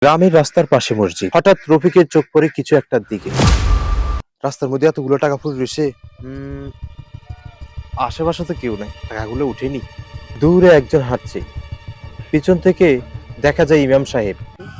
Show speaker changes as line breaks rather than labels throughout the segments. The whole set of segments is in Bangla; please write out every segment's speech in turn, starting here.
গ্রামের রাস্তার পাশে মসজিদ। হঠাৎ রফিকের চোখ পড়ে কিছু একটার দিকে। রাস্তার মধ্যে এতগুলো টাকা পড়ে রয়েছে। আশেপাশে তো কেউ নাই, টাকাগুলো উঠেনি। দূরে একজন হাঁটছে, পিছন থেকে দেখা যায় ইমাম সাহেব।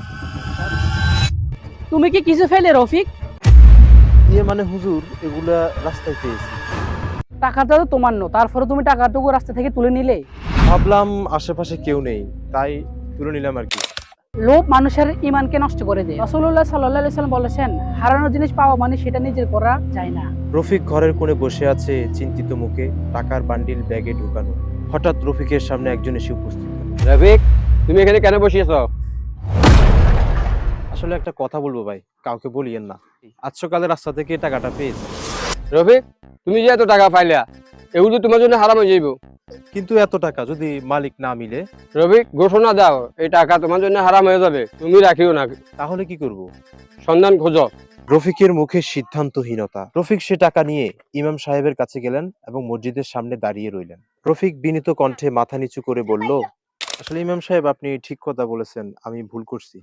তুমি কি কিছু ফেলে রফিক?
ইয়ে মানে হুজুর, এগুলা রাস্তায় পেয়েছি।
টাকাটা তো তোমার নো, তারপরে তুমি টাকাটুকু রাস্তা থেকে তুলে নিলে।
ভাবলাম আশেপাশে কেউ নেই, তাই তুলে নিলাম আর কি।
লোভ মানুষের ইমানকে নষ্ট করে দেয়। রাসূলুল্লাহ সাল্লাল্লাহু আলাইহি ওয়াসাল্লাম বলেছেন, হারানো জিনিস পাওয়া মানে সেটা নিজের করা যায় না।
রফিক ঘরের কোণে বসে আছে, চিন্তিত মুখে, টাকার বান্ডিল ব্যাগে ঢুকানো। হঠাৎ রফিকের সামনে একজন এসে উপস্থিত হলো।
রফিক, তুমি এখানে কেন বসিয়েছ?
আসলে একটা কথা বলবো ভাই, কাউকে বলিয়েন না। আজ সকালে রাস্তা থেকে টাকাটা পেয়েছি।
রফিক, তুমি যে এত টাকা পাইলা, এগুলো তোমার জন্য হারাম হয়ে যাইব।
কিন্তু এত টাকা যদি মালিক না মিলে?
রফিক, ঘোষণা দাও এই টাকা তোমার জন্য হারাম হয়ে যাবে, তুমি রাখিও না।
তাহলে কি করব?
সন্ধান খোঁজো।
রফিকের মুখে সিদ্ধান্তহীনতা। রফিক সে টাকা নিয়ে ইমাম সাহেবের কাছে গেলেন এবং মসজিদের সামনে দাঁড়িয়ে রইলেন। রফিক বিনীত কণ্ঠে মাথা নিচু করে বলল, আসলে ইমাম সাহেব, আপনি ঠিক কথা বলেছেন, আমি ভুল করছি।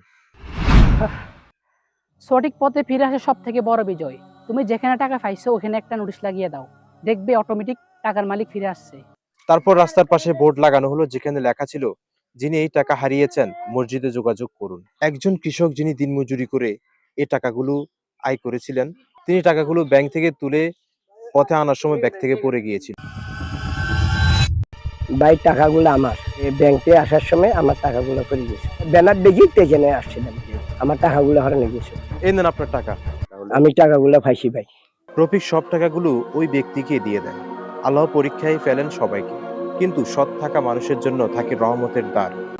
সঠিক পথে ফিরে আসা সব থেকে বড় বিজয়। তুমি যেখানে টাকা পাইছো ওখানে একটা নোটিশ লাগিয়ে দাও, দেখবে অটোমেটিক টাকার মালিক ফিরে আসছে।
তারপর রাস্তার পাশে বোর্ড লাগানো হলো, যেখানে লেখা ছিল, যিনি এই টাকা হারিয়েছেন মসজিদে যোগাযোগ করুন। একজন কৃষক যিনি দিনমজুরি করে এই টাকাগুলো আয় করেছিলেন, তিনি টাকাগুলো ব্যাংক থেকে তুলে পথে আনার সময় ব্যাগ থেকে পড়ে গিয়েছিল।
ভাই টাকাগুলো আমার ব্যাংকে আসার সময় আমার টাকাগুলো করে গেছে, ব্যানার দেখি এখানে আসছিলাম, আমার টাকাগুলো হারানো গেছে।
এই নেন আপনার টাকা।
আমি টাকাগুলো পাইছি ভাই।
রফিক সব টাকাগুলো ওই ব্যক্তিকে দিয়ে দেন। আল্লাহ পরীক্ষায় ফেলেন সবাইকে, কিন্তু সৎ থাকা মানুষের জন্য থাকে রহমতের দ্বার।